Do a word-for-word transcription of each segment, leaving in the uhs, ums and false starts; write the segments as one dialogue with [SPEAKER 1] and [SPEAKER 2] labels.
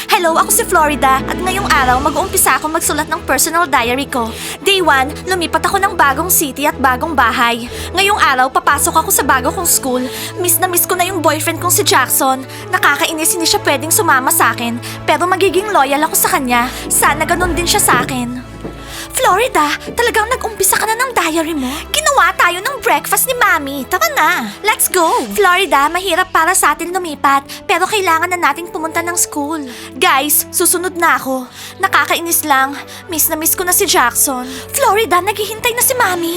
[SPEAKER 1] Hello, ako si Florida at ngayong araw mag-uumpisa akong magsulat ng personal diary ko. Day one, lumipat ako ng bagong city at bagong bahay. Ngayong araw, papasok ako sa bago kong school. Miss na miss ko na yung boyfriend kong si Jackson. Nakakainis, hindi siya pwedeng sumama sa akin. Pero magiging loyal ako sa kanya. Sana ganun din siya sa akin. Florida, talagang nag-umpisa ka na ng diary mo? Ginawa tayo ng breakfast ni Mami. Tara na. Let's go. Florida, mahirap para sa atin lumipat. Pero kailangan na nating pumunta ng school. Guys, susunod na ako. Nakakainis lang. Miss na miss ko na si Jackson. Florida, naghihintay na si Mami.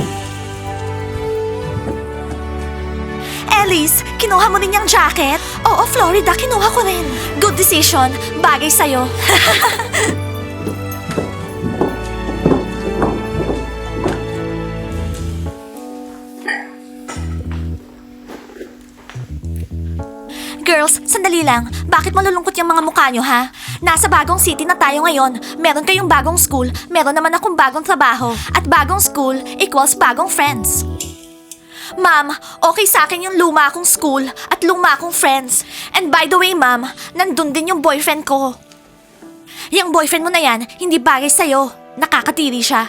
[SPEAKER 1] Alice, kinuha mo rin yung jacket? Oo, Florida, kinuha ko rin. Good decision. Bagay sa'yo. Girls, sandali lang. Bakit malulungkot yung mga mukha nyo, ha? Nasa bagong city na tayo ngayon. Meron kayong bagong school, meron naman akong bagong trabaho. At bagong school equals bagong friends. Ma'am, okay sa akin yung luma akong school at luma akong friends. And by the way, ma'am, nandun din yung boyfriend ko. Yung boyfriend mo na yan, hindi bagay sa'yo. Nakakatiri siya.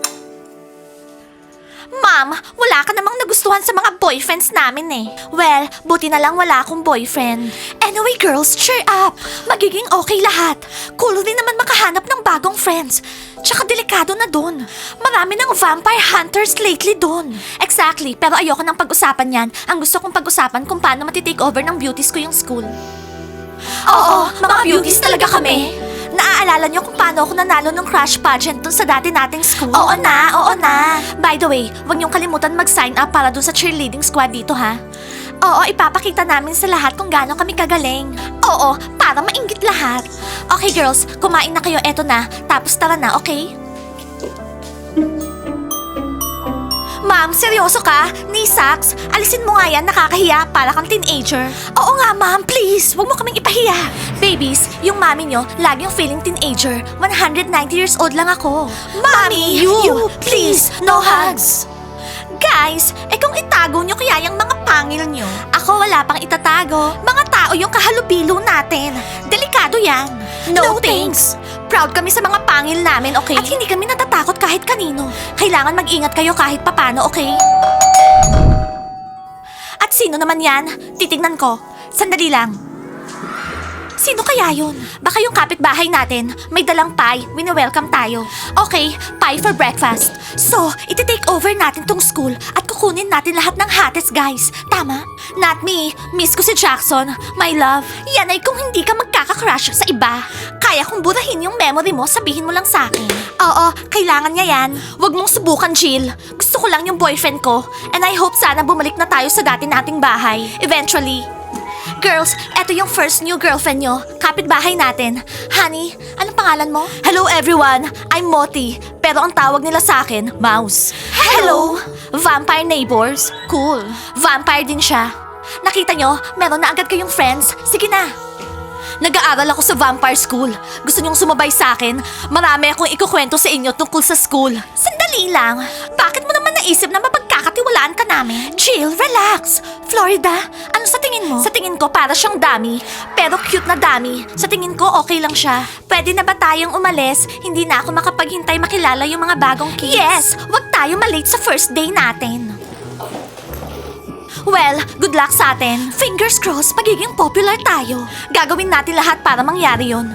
[SPEAKER 1] Ma'am, wala ka namang nagustuhan sa mga boyfriends namin eh. Well, buti na lang wala akong boyfriend. Anyway girls, cheer up. Magiging okay lahat. Cool din naman makahanap ng bagong friends. Tsaka delikado na dun. Marami ng vampire hunters lately dun. Exactly, pero ayoko nang pag-usapan yan. Ang gusto kong pag-usapan kung paano matitake over ng beauties ko yung school. Oo, mga beauties talaga kami. Naaalala niyo kung paano ako nanalo ng crush pageant dun sa dati nating school? Oo na, oo na. By the way, huwag niyong kalimutan mag-sign up para dun sa cheerleading squad dito, ha? Oo, ipapakita namin sa lahat kung gaano kami kagaling. Oo, para mainggit lahat. Okay girls, kumain na kayo, eto na. Tapos tara na, okay? Ma'am, seryoso ka? Ni Sax, alisin mo nga yan, nakakahiya para kang teenager. Oo nga, ma'am, please, wag mo kaming ipahiya. Babies, yung mami nyo, laging feeling teenager. one hundred ninety years old lang ako. Mami, you, you please, no hugs. Guys, eh kung itago nyo kaya yung mga pangil nyo? Ako wala pang itatago. Mga tao yung kahalubilo natin. Delikado yan. No, no thanks. Proud kami sa mga pangil namin, okay? At hindi kami natatakot kahit kanino. Kailangan mag-ingat kayo kahit papano, okay? At sino naman yan? Titignan ko. Sandali lang. Sino kaya yun? Baka yung kapitbahay natin, may dalang pie, wini-welcome tayo. Okay, pie for breakfast. So, iti-take over natin tong school at kukunin natin lahat ng hates, guys. Tama? Not me. Miss ko si Jackson. My love. Yan ay kung hindi ka magkaka-crush sa iba. Kaya kung burahin yung memory mo, sabihin mo lang sa akin. Oo, kailangan niya yan. Huwag mong subukan, Jill. Gusto ko lang yung boyfriend ko. And I hope sana bumalik na tayo sa dati nating bahay. Eventually. Girls, eto yung first new girlfriend nyo. Kapitbahay natin. Honey, anong pangalan mo? Hello everyone, I'm Moti. Pero ang tawag nila sa akin, Mouse. Hello! Vampire neighbors? Cool. Vampire din siya. Nakita nyo, meron na agad kayong friends. Sige na. Nag-aaral ako sa vampire school. Gusto nyong sumabay sa akin? Marami akong ikukwento sa inyo tungkol sa school. Sandali lang. Bakit mo naman naisip na mapagkakatiwalaan ka namin? Jill, relax. Florida, ano sa tingin mo? Sa tingin ko para siyang dummy. Pero cute na dummy. Sa tingin ko okay lang siya. Pwede na ba tayong umalis? Hindi na ako makapaghintay makilala yung mga bagong kids. Yes, wag tayo malate sa first day natin. Well, good luck sa atin. Fingers crossed, magiging popular tayo. Gagawin natin lahat para mangyari yon.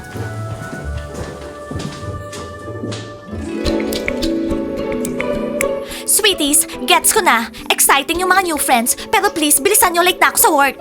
[SPEAKER 1] Sweeties, gets ko na. Exciting yung mga new friends, pero please, bilisan nyo, late na ako sa work.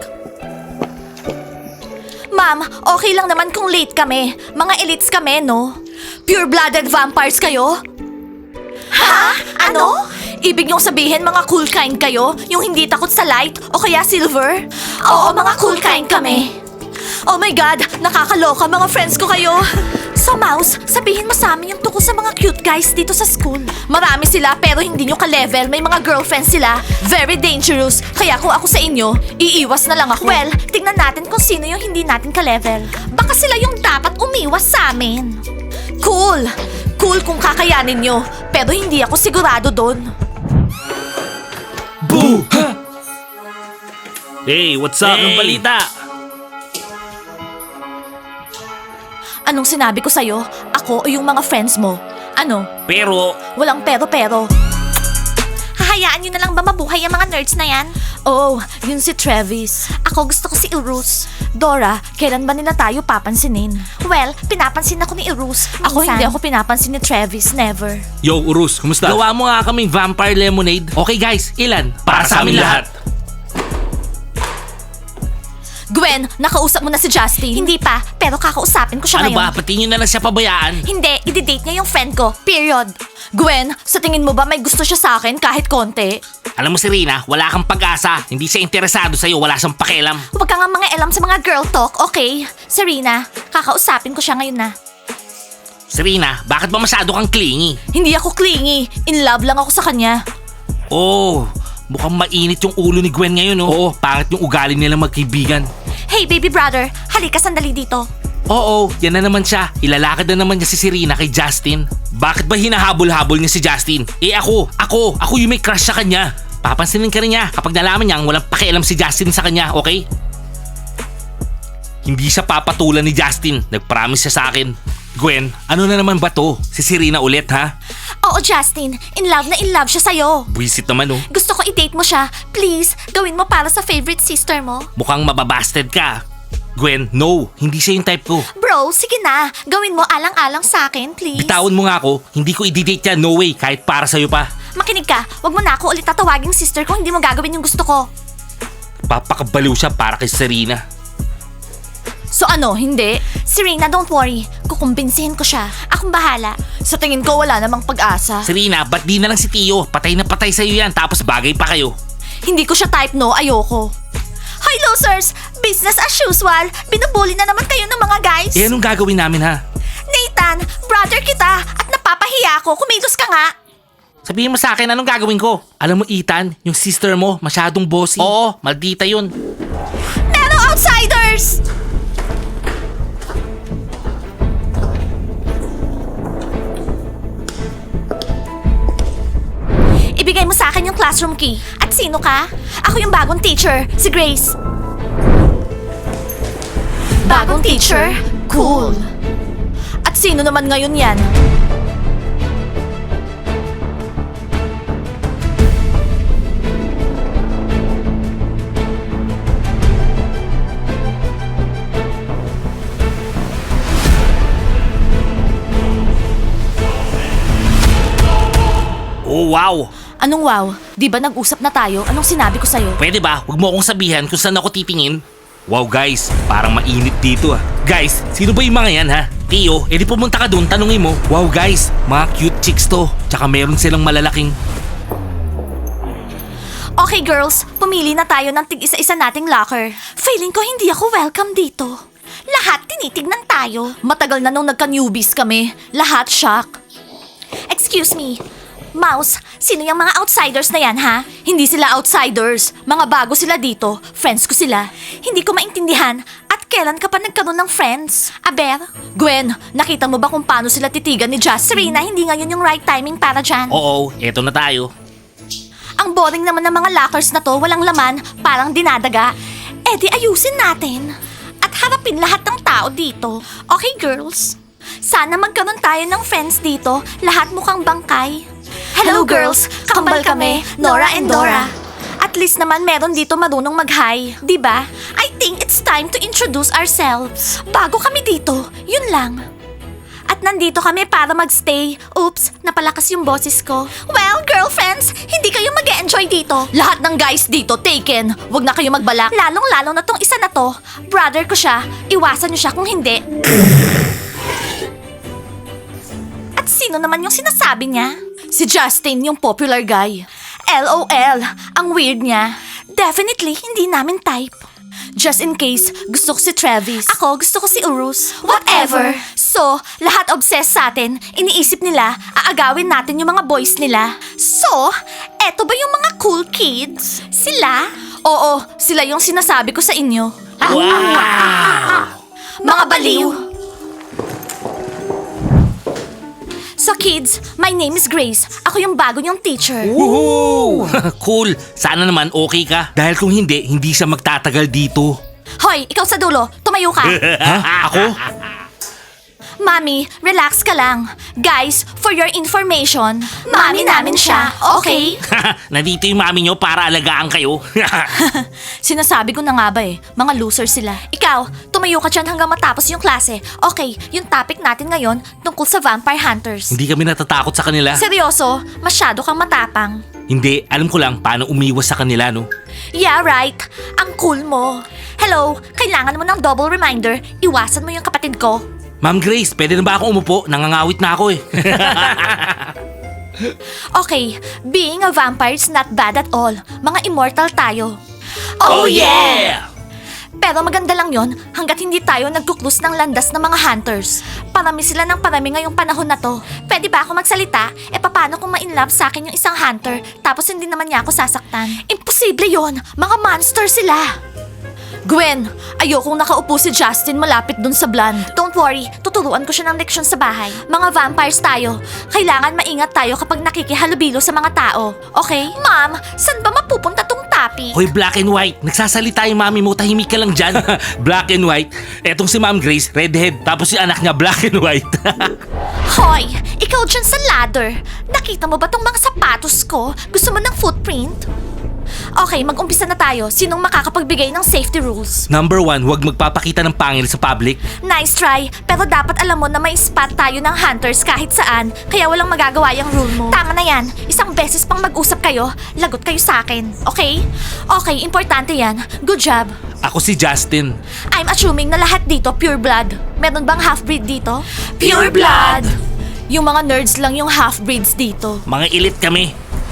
[SPEAKER 1] Ma'am, okay lang naman kung late kami. Mga elites kami, no? Pure-blooded vampires kayo? Ha? Ano? Ibig niyong sabihin mga cool kind kayo? Yung hindi takot sa light o kaya silver? Oo, mga cool kind kami. Oh my God, nakakaloka, mga friends ko kayo. So Mouse, sabihin mo sa amin yung tungkol sa mga cute guys dito sa school. Marami sila pero hindi nyo ka-level, may mga girlfriends sila. Very dangerous, kaya kung ako sa inyo, iiwas na lang ako. Well, tingnan natin kung sino yung hindi natin ka-level. Baka sila yung dapat umiwas sa amin. Cool! Cool kung kakayanin nyo, pero hindi ako sigurado doon.
[SPEAKER 2] Boo! Hey, what's up? Anong balita?
[SPEAKER 1] Anong sinabi ko sa'yo? Ako o yung mga friends mo? Ano?
[SPEAKER 2] Pero,
[SPEAKER 1] Walang pero-pero. Hahayaan nyo na lang ba mabuhay ang mga nerds na yan? Oo, yun si Travis. Ako gusto ko si Irus. Dora, kailan ba nila tayo papansinin? Well, pinapansin ako ni Irus. Ako hindi ako pinapansin ni Travis, never.
[SPEAKER 3] Yo, Urus, kumusta?
[SPEAKER 2] gawa mo nga kaming vampire lemonade. Okay guys, ilan?
[SPEAKER 3] Para sa amin lahat.
[SPEAKER 1] Gwen, nakausap mo na si Justin? Hindi pa, pero kakausapin ko siya
[SPEAKER 2] Ano
[SPEAKER 1] ngayon.
[SPEAKER 2] ba, pati nyo na lang siya pabayaan?
[SPEAKER 1] Hindi, i-date niya yung friend ko. Period. Gwen, sa tingin mo ba may gusto siya sa akin kahit konti?
[SPEAKER 2] Alam mo Serena, wala kang pag-asa. Hindi siya interesado sa'yo, wala siyang pakialam.
[SPEAKER 1] Huwag ka nga mga elam sa mga girl talk, okay? Serena, kakausapin ko siya ngayon na.
[SPEAKER 2] Serena, bakit ba masyado kang clingy?
[SPEAKER 1] Hindi ako clingy. In love lang ako sa kanya.
[SPEAKER 2] Oh, mukhang mainit yung ulo ni Gwen ngayon, oh. Oo, pangit yung ugali nila magkaibigan.
[SPEAKER 1] Hey, baby brother, halika sandali dito.
[SPEAKER 2] Oo, yan na naman siya. Ilalakad na naman niya si Serena kay Justin. Bakit ba hinahabol-habol niya si Justin? Eh ako, ako, ako yung may crush sa kanya. Papansinin ka rin niya kapag nalaman niyang walang pakialam si Justin sa kanya, okay? Hindi siya papatulan ni Justin. Nag-promise siya sa akin. Gwen, ano na naman ba to? Si Serena ulit, ha?
[SPEAKER 1] Oo, Justin, in love na in love siya sa'yo.
[SPEAKER 2] Buisit naman, oh.
[SPEAKER 1] Gusto ko i-date mo siya. Please, gawin mo para sa favorite sister mo.
[SPEAKER 2] Mukhang mababasted ka. Gwen, no. Hindi siya yung type ko.
[SPEAKER 1] Bro, sige na. Gawin mo alang-alang sa akin, please.
[SPEAKER 2] Bitawan mo nga ako. Hindi ko i-date yan. No way. Kahit para sa'yo pa.
[SPEAKER 1] Makinig ka. Wag mo na ako ulit tatawaging sister ko. Hindi mo gagawin yung gusto ko.
[SPEAKER 2] Papakabaliw siya para kay Serena.
[SPEAKER 1] So ano, hindi? Serena, don't worry. Kukumbinsihin ko siya. Akong bahala. Sa tingin ko, wala namang pag-asa.
[SPEAKER 2] Serena, ba't di na lang si Tio? Patay na patay sa'yo yan. Tapos bagay pa kayo.
[SPEAKER 1] Hindi ko siya type, no. Ayoko. Hi, losers! Business as usual. Binubuli na naman kayo ng mga guys.
[SPEAKER 2] Eh, anong gagawin namin, ha?
[SPEAKER 1] Nathan, brother kita at napapahiya ako. Kumilos ka nga.
[SPEAKER 2] Sabihin mo sa akin, anong gagawin ko? Alam mo, Ethan, yung sister mo, masyadong bossy. Oo, maldita yun.
[SPEAKER 1] Pero outsiders! Ibigay mo sa akin yung classroom key. At sino ka? Ako yung bagong teacher, si Grace. Bagong teacher? Cool. At sino naman ngayon yan?
[SPEAKER 2] Oh, wow.
[SPEAKER 1] Anong wow? Di ba nag-usap na tayo? Anong sinabi ko sa'yo?
[SPEAKER 2] Pwede ba? Huwag mo akong sabihan kung saan ako titingin. Wow guys, parang mainit dito ah. Guys, sino ba yung mga yan ha? Tio, edi pumunta ka doon, tanungin mo. Wow guys, mga cute chicks to. Tsaka meron silang malalaking...
[SPEAKER 1] Okay girls, pumili na tayo ng tig-isa-isa nating locker. Feeling ko hindi ako welcome dito. Lahat tinitignan tayo. Matagal na nung nagka-newbies kami. Lahat shock. Excuse me. Mouse, sino yung mga outsiders na yan, ha? Hindi sila outsiders. Mga bago sila dito. Friends ko sila. Hindi ko maintindihan. At kailan ka pa nagkaroon ng friends? Aber? Gwen, nakita mo ba kung paano sila titigan ni Just? Serena, hindi ngayon yung right timing para dyan.
[SPEAKER 2] Oo, eto na tayo.
[SPEAKER 1] Ang boring naman ng mga lockers na to, walang laman, parang dinadaga. Eh di ayusin natin. At harapin lahat ng tao dito. Okay, girls? Sana magkaroon tayo ng friends dito. Lahat mukhang bangkay. Hello, girls! Kambal kami, Nora and Dora. At least naman meron dito marunong mag-hi. Diba? I think it's time to introduce ourselves. Bago kami dito, yun lang. At nandito kami para magstay. Oops, napalakas yung boses ko. Well, girlfriends, hindi kayo mag-enjoy dito. Lahat ng guys dito taken. Huwag na kayo magbalak. Lalong-lalo na tong isa na to. Brother ko siya. Iwasan niyo siya kung hindi. At sino naman yung sinasabi niya? Si Justin, yung popular guy. LOL, ang weird niya. Definitely, hindi namin type. Just in case, gusto ko si Travis. Ako, gusto ko si Urus. Whatever. So, lahat obsessed sa atin. Iniisip nila, aagawin natin yung mga boys nila. So, eto ba yung mga cool kids? Sila? Oo, sila yung sinasabi ko sa inyo.
[SPEAKER 2] Wow!
[SPEAKER 1] Mga baliw! So kids, my name is Grace. Ako yung bago niyong teacher.
[SPEAKER 2] Woohoo! Cool. Sana naman okay ka. Dahil kung hindi, hindi siya magtatagal dito.
[SPEAKER 1] Hoy, ikaw sa dulo, tumayo ka.
[SPEAKER 2] Ha? Ako?
[SPEAKER 1] Mami, relax ka lang. Guys, for your information, mami namin siya, okay?
[SPEAKER 2] Nandito yung mami nyo para alagaan kayo.
[SPEAKER 1] Sinasabi ko na nga ba eh, mga loser sila. Ikaw, tumayo ka dyan hanggang matapos yung klase. Okay, yung topic natin ngayon tungkol sa vampire hunters.
[SPEAKER 2] Hindi kami natatakot sa kanila.
[SPEAKER 1] Seryoso, masyado kang matapang.
[SPEAKER 2] Hindi, alam ko lang paano umiwas sa kanila, no?
[SPEAKER 1] Yeah, right. Ang cool mo. Hello, kailangan mo ng double reminder. Iwasan mo yung kapatid ko.
[SPEAKER 2] Ma'am Grace, pwede na ba akong umupo? Nangangawit na ako eh.
[SPEAKER 1] Okay, being a vampire is not bad at all. Mga immortal tayo. Pero maganda lang yon hanggat hindi tayo nagkuklus ng landas ng mga hunters. Parami sila ng parami ngayong panahon na to. Pwede ba ako magsalita? E paano kung ma-inlove sa akin yung isang hunter tapos hindi naman niya ako sasaktan? Imposible yon. Mga monster sila. Gwen, ayokong nakaupo si Justin malapit dun sa blonde. Don't worry, tuturuan ko siya ng leksyon sa bahay. Mga vampires tayo. Kailangan maingat tayo kapag nakikihalubilo sa mga tao. Okay? Ma'am, saan ba mapupunta tong topic?
[SPEAKER 2] Hoy, black and white. Nagsasalita yung mami mo, tahimik ka lang dyan. Black and white. Etong si Ma'am Grace, redhead. Tapos yung anak niya, black and white.
[SPEAKER 1] Hoy, ikaw dyan sa ladder. Nakita mo ba tong mga sapatos ko? Gusto mo ng footprint? Okay, mag-umpisa na tayo. Sinong makakapagbigay ng safety rules?
[SPEAKER 2] Number one, huwag magpapakita ng pangil sa public.
[SPEAKER 1] Nice try, pero dapat alam mo na may spot tayo ng hunters kahit saan, kaya walang magagawa yung rule mo. Tama na yan. Isang beses pang mag-usap kayo, lagot kayo sa akin. Okay? Okay, importante yan. Good job.
[SPEAKER 2] Ako si Justin.
[SPEAKER 1] I'm assuming na lahat dito pure blood. Meron bang half-breed dito? Pure blood! Yung mga nerds lang yung half-breeds dito.
[SPEAKER 2] Mga elite kami.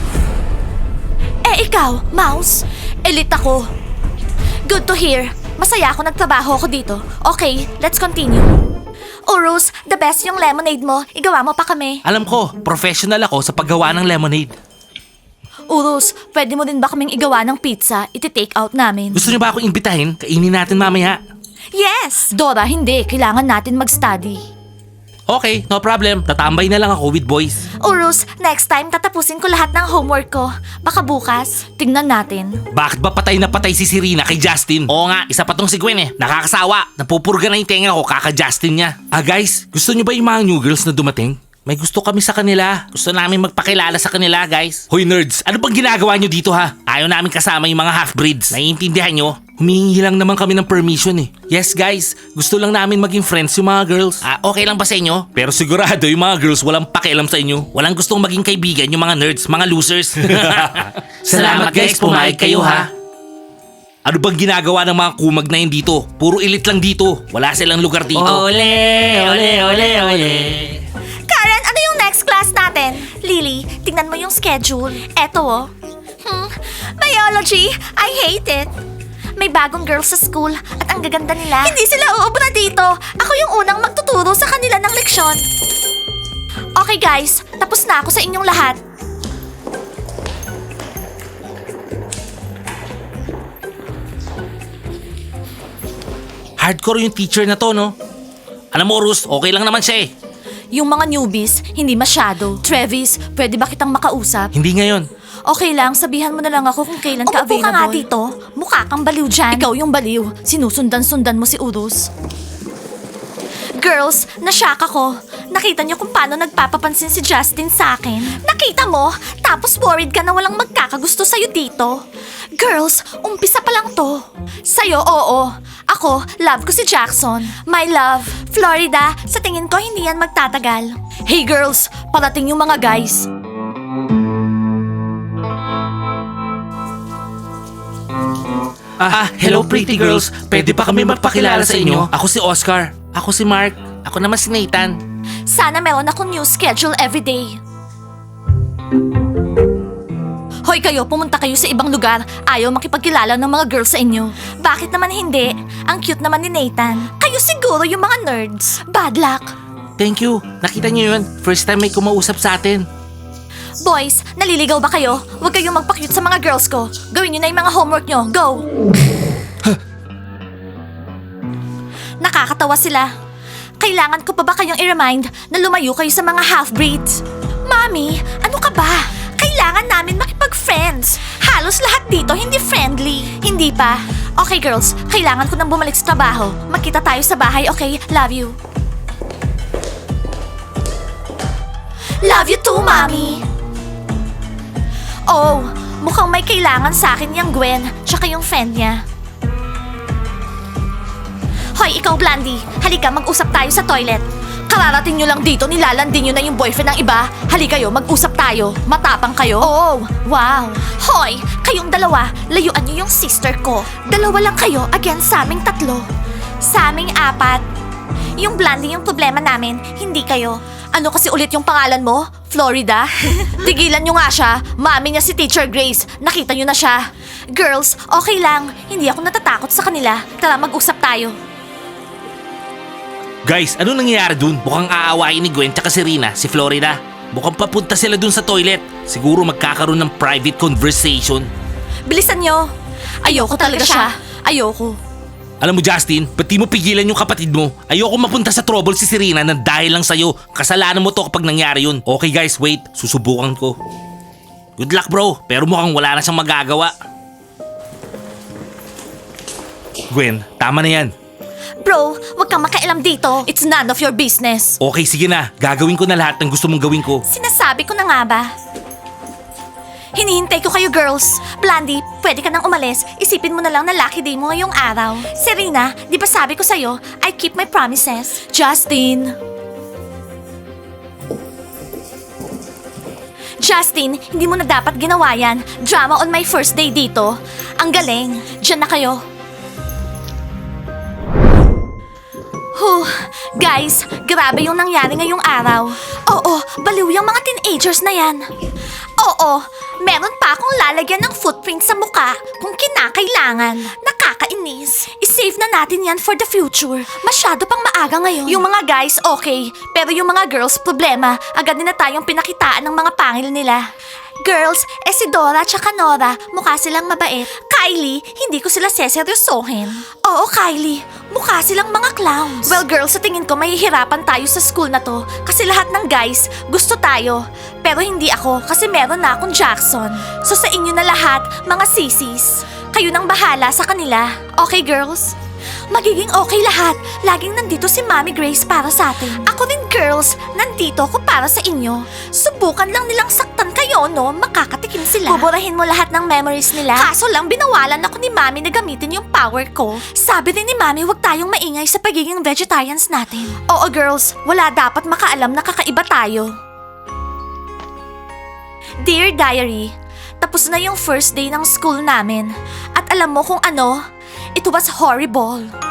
[SPEAKER 1] Eh ikaw, Mouse, elite ako. Good to hear. Masaya ako nagtrabaho ako dito. Okay, let's continue. Urus, the best yung lemonade mo. Igawa mo pa kami.
[SPEAKER 2] Alam ko, professional ako sa paggawa ng lemonade.
[SPEAKER 1] Urus, pwede mo din ba kaming igawa ng pizza? Iti-take out namin.
[SPEAKER 2] Gusto niyo ba akong imbitahin? Kainin natin mamaya.
[SPEAKER 1] Yes! Dora, hindi. Kailangan natin mag-study.
[SPEAKER 2] Okay, no problem. Tatambay na lang ako with boys.
[SPEAKER 1] Urus, next time tatapusin ko lahat ng homework ko. Baka bukas. Tingnan natin.
[SPEAKER 2] Bakit ba patay na patay si Serena kay Justin? Oo nga, isa pa tong si Gwen eh. Nakakasawa. Napupurga na yung tenga ko kaka-Justin niya. Ah guys, gusto niyo ba yung mga new girls na dumating? May gusto kami sa kanila. Gusto namin magpakilala sa kanila, guys. Hoy nerds, ano bang ginagawa nyo dito ha? Ayaw namin kasama yung mga half-breeds. Naiintindihan nyo? Humihingi lang naman kami ng permission eh. Yes guys, gusto lang namin maging friends yung mga girls. Ah, okay lang ba sa inyo? Pero sigurado yung mga girls walang pakialam sa inyo. Walang gustong maging kaibigan yung mga nerds, mga losers. Salamat guys, pumayag kayo ha. Ano bang ginagawa ng mga kumag na yun dito? Puro elite lang dito. Wala silang lugar dito.
[SPEAKER 3] Ole, ole, ole, ole.
[SPEAKER 1] Karen, ano yung next class natin? Lily, tingnan mo yung schedule. Eto oh. Hmm, biology, I hate it. May bagong girls sa school at ang gaganda nila. Hindi sila uubra dito. Ako yung unang magtuturo sa kanila ng leksyon. Okay guys, tapos na ako sa inyong lahat.
[SPEAKER 2] Hardcore yung teacher na to, no? Alam mo, Rus, okay lang naman siya eh.
[SPEAKER 1] Yung mga newbies, hindi masyado. Travis, pwede ba kitang makausap?
[SPEAKER 2] Hindi ngayon.
[SPEAKER 1] Okay lang, sabihan mo na lang ako kung kailan ka
[SPEAKER 4] Umupo
[SPEAKER 1] available.
[SPEAKER 4] ka nga
[SPEAKER 1] dito. Mukha kang baliw dyan. Ikaw yung baliw. Sinusundan-sundan mo si Urus. Girls, nashock ako. Nakita niyo kung paano nagpapapansin si Justin sa akin? Nakita mo? Tapos worried ka na walang magkakagusto sa'yo dito? Girls, umpisa pa lang to. Sa'yo, oo. Ako, love ko si Jackson. My love, Florida, sa tingin ko hindi yan magtatagal. Hey girls, parating yung mga guys.
[SPEAKER 2] Ah, hello pretty girls. Pwede pa kami magpakilala sa inyo? Ako si Oscar. Ako si Mark. Ako naman si Nathan.
[SPEAKER 1] Sana meron akong new schedule everyday. Hoy kayo, pumunta kayo sa ibang lugar. Ayaw makipagkilala ng mga girls sa inyo. Bakit naman hindi? Ang cute naman ni Nathan. Kayo siguro yung mga nerds. Bad luck.
[SPEAKER 2] Thank you. Nakita niyo yun? First time may kumausap sa atin.
[SPEAKER 1] Boys, naliligaw ba kayo? Huwag kayong magpa-cute sa mga girls ko. Gawin niyo na yung mga homework niyo. Go! Nakakatawa sila. Kailangan ko pa ba kayong i-remind na lumayo kayo sa mga half-breeds? Mami, ano ka ba? Kailangan namin makipag-friends. Halos lahat dito hindi friendly. Hindi pa. Okay girls, kailangan ko nang bumalik sa trabaho. Magkita tayo sa bahay, okay? Love you. Love you too, Mommy. Oh, mukhang may kailangan sa akin yung Gwen, tsaka yung friend niya. Hoy, ikaw, Blandy. Halika, mag-usap tayo sa toilet. Kararating nyo lang dito, nilalandin nyo na yung boyfriend ng iba. Halika kayo, mag-usap tayo. Matapang kayo. Oh, wow. Hoy, kayong dalawa, layuan nyo yung sister ko. Dalawa lang kayo against sa aming tatlo. Sa aming apat. Yung Blandy yung problema namin, hindi kayo. Ano kasi ulit yung pangalan mo? Florida? Tigilan nyo nga siya. Mami niya si Teacher Grace. Nakita nyo na siya. Girls, okay lang. Hindi ako natatakot sa kanila. Tara, mag-usap tayo.
[SPEAKER 2] Guys, ano nangyayari dun? Mukhang aawain ni Gwen tsaka si Rina, si Florida. Mukhang papunta sila dun sa toilet. Siguro magkakaroon ng private conversation.
[SPEAKER 1] Bilisan nyo. Ayoko talaga siya. Ayoko.
[SPEAKER 2] Alam mo Justin, ba't di mo pigilan yung kapatid mo? Ayoko mapunta sa trouble si Serena na dahil lang sa'yo. Kasalanan mo to kapag nangyari yun. Okay guys, wait. Susubukan ko. Good luck bro, pero mukhang wala na siyang magagawa. Gwen, tama na yan.
[SPEAKER 1] Bro, wag kang makialam dito. It's none of your business.
[SPEAKER 2] Okay, sige na. Gagawin ko na lahat ng gusto mong gawin ko.
[SPEAKER 1] Sinasabi ko na nga ba? Hinihintay ko kayo, girls. Blandy, pwede ka nang umalis. Isipin mo na lang na lucky day mo ngayong araw. Serena, di ba sabi ko sa'yo, I keep my promises. Justin. Justin, hindi mo na dapat ginawa yan. Drama on my first day dito. Ang galing. Diyan na kayo. Huh, guys, grabe yung nangyari ngayong araw. Oo, baliw yung mga teenagers na yan. Oo, meron pa akong lalagyan ng footprint sa muka kung kinakailangan. Nakakainis. I-save na natin yan for the future. Masyado pang maaga ngayon. Yung mga guys, okay. Pero yung mga girls, problema. Agad nila tayong pinakitaan ng mga pangil nila. Girls, eh si Dora tsaka Nora, mukha silang mabait. Kylie, hindi ko sila seseryosohin. Oo, Kylie, mukha silang mga clowns. Well, girls, sa tingin ko mahihirapan tayo sa school na to kasi lahat ng guys gusto tayo. Pero hindi ako kasi meron na akong Jackson. So sa inyo na lahat, mga sisis, kayo nang bahala sa kanila. Okay, girls? Magiging okay lahat. Laging nandito si Mommy Grace para sa atin. Ako din, girls. Nandito ako para sa inyo. Subukan lang nilang saktan kayo, no? Makakatikim sila. Buburahin mo lahat ng memories nila. Kaso lang, binawalan ako ni Mommy na gamitin yung power ko. Sabi din ni Mommy, huwag tayong maingay sa pagiging vegetarians natin. Oo, girls. Wala dapat makaalam na kakaiba tayo. Dear Diary, tapos na yung first day ng school namin. At alam mo kung ano? It was horrible.